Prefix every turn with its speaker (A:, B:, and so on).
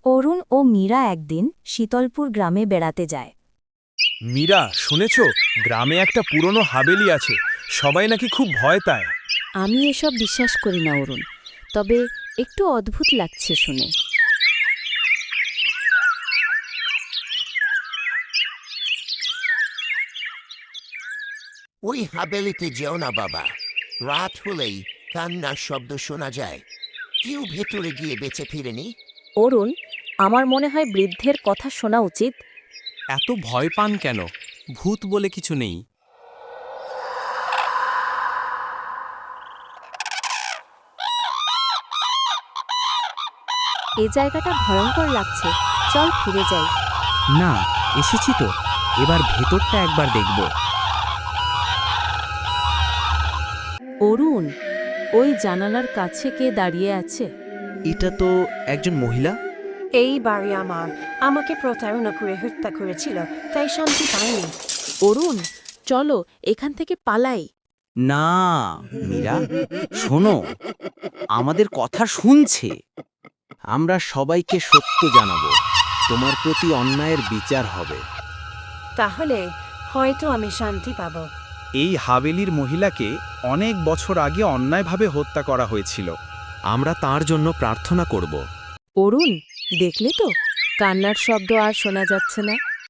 A: অরুণ ও মীরা একদিন শীতলপুর গ্রামে বেড়াতে যায়।
B: মীরা, শুনেছ গ্রামে একটা পুরনো হাবেলি আছে, সবাই নাকি খুব ভয় পায়।
C: আমি এসব বিশ্বাস করি না অরুণ, তবে একটু অদ্ভুত লাগছে শুনে।
D: ওই হাবেলিতে যেও না বাবা, রাত হলেই কান্নার শব্দ শোনা যায়। কেউ ভেতরে গিয়ে বেঁচে ফিরেনি।
A: অরুণ, আমার মনে হয় বৃদ্ধের কথা শোনা উচিত।
E: এত ভয় পান কেন? ভূত বলে কিছু নেই।
A: এ জায়গাটা ভয়ঙ্কর লাগছে, চল ফিরে যাই।
E: না, এসেছি তো, এবার ভেতরটা একবার দেখব।
C: অরুণ, ওই জানালার কাছে কে দাঁড়িয়ে আছে?
F: এটা তো একজন মহিলা।
G: এই বাড়ি আমার, আমাকে প্রতারণা করে হত্যা করেছিল, তাই শান্তি পাইনি।
C: অরুণ, চলো এখান থেকে পালাই।
F: না মীরা, শোনো, আমাদের কথা শুনছে। আমরা সবাইকে সত্য জানাবো, তোমার প্রতি অন্যায়ের বিচার হবে।
G: তাহলে হয়তো আমি শান্তি পাব।
B: এই হাবেলির মহিলাকে অনেক বছর আগে অন্যায়ভাবে হত্যা করা হয়েছিল।
E: আমরা তার জন্য প্রার্থনা করব।
C: অরুণ, দেখলে তো, কান্নার শব্দ আর শোনা যাচ্ছে না।